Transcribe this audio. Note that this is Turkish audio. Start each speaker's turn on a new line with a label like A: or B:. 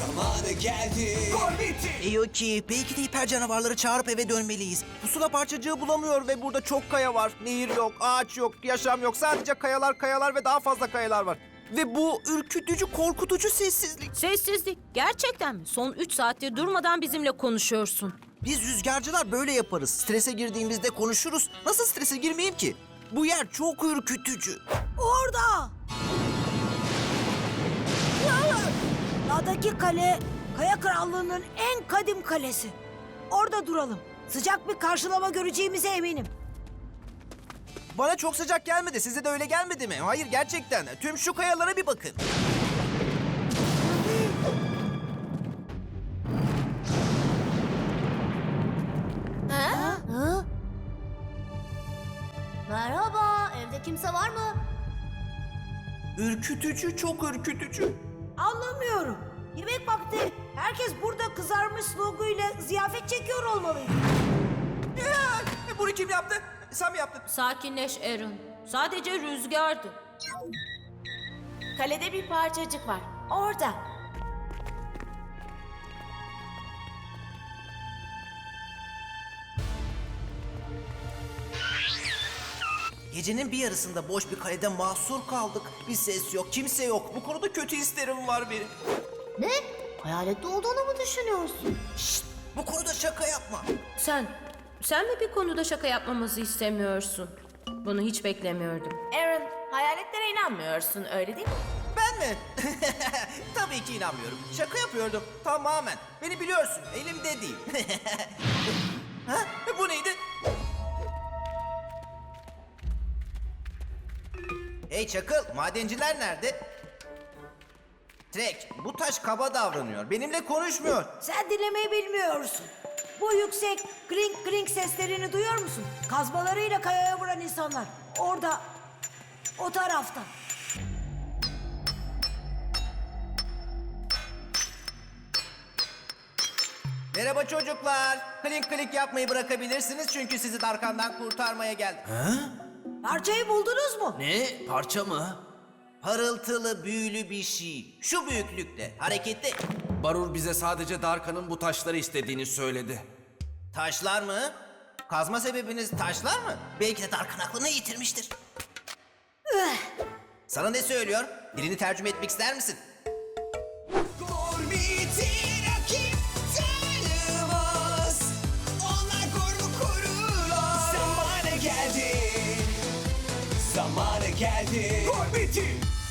A: Zamanı geldi.
B: Eyoki, belki de hiper canavarları çağırıp eve dönmeliyiz. Pusula parçacığı bulamıyor ve burada çok kaya var. Nehir yok, ağaç yok, yaşam yok. Sadece kayalar ve daha fazla kayalar var. Ve bu ürkütücü, korkutucu sessizlik.
C: Sessizlik. Gerçekten mi? Son 3 saattir durmadan bizimle konuşuyorsun.
B: Biz rüzgarcılar böyle yaparız. Strese girdiğimizde konuşuruz. Nasıl strese girmeyeyim ki? Bu yer çok ürkütücü.
D: Orada! Dağdaki kale, Kaya Krallığı'nın en kadim kalesi. Orada duralım. Sıcak bir karşılama göreceğimize eminim.
B: Bana çok sıcak gelmedi. Size de öyle gelmedi mi? Hayır, gerçekten. Tüm şu kayalara bir bakın.
E: Merhaba, evde kimse var mı?
B: Ürkütücü, çok ürkütücü.
D: Anlamıyorum. Yemek vakti herkes burada kızarmış sloguyla ziyafet çekiyor olmalıydı.
B: Bunu kim yaptı? Sen mi yaptın?
C: Sakinleş Aaron. Sadece rüzgardı.
E: Kalede bir parçacık var. Orada.
B: Gecenin bir yarısında boş bir kalede mahsur kaldık. Bir ses yok, kimse yok. Bu konuda kötü hislerim var benim.
E: Ne? Hayalette olduğunu mu düşünüyorsun?
B: Şşt, bu konuda şaka yapma.
C: Sen mi bir konuda şaka yapmamızı istemiyorsun? Bunu hiç beklemiyordum.
E: Aaron, hayaletlere inanmıyorsun öyle değil mi?
B: Ben mi? Tabii ki inanmıyorum. Şaka yapıyordum. Tamamen. Beni biliyorsun. Elimde değil. Ha? Bu neydi? Hey Çakıl, madenciler nerede? Trek, bu taş kaba davranıyor. Benimle konuşmuyor.
D: Sen dinlemeyi bilmiyorsun. Bu yüksek kring kring seslerini duyuyor musun? Kazmalarıyla kayaya vuran insanlar. Orada, o tarafta.
B: Merhaba çocuklar. Klink klink yapmayı bırakabilirsiniz çünkü sizi Darkan'dan kurtarmaya geldim.
D: Parçayı buldunuz mu?
F: Ne? Parça mı?
B: Parıltılı, büyülü bir şey. Şu büyüklükte, hareketli.
F: Barur bize sadece Darkan'ın bu taşları istediğini söyledi.
B: Taşlar mı? Kazma sebebiniz taşlar mı? Belki de Darkan aklını yitirmiştir. Sana ne söylüyor? Dilini tercüme etmek ister misin?
A: Gorbit'i rakip tanımaz. Onlar Gorb'u korurlar. Zamanı geldi. Zamanı geldi. Gorbit'i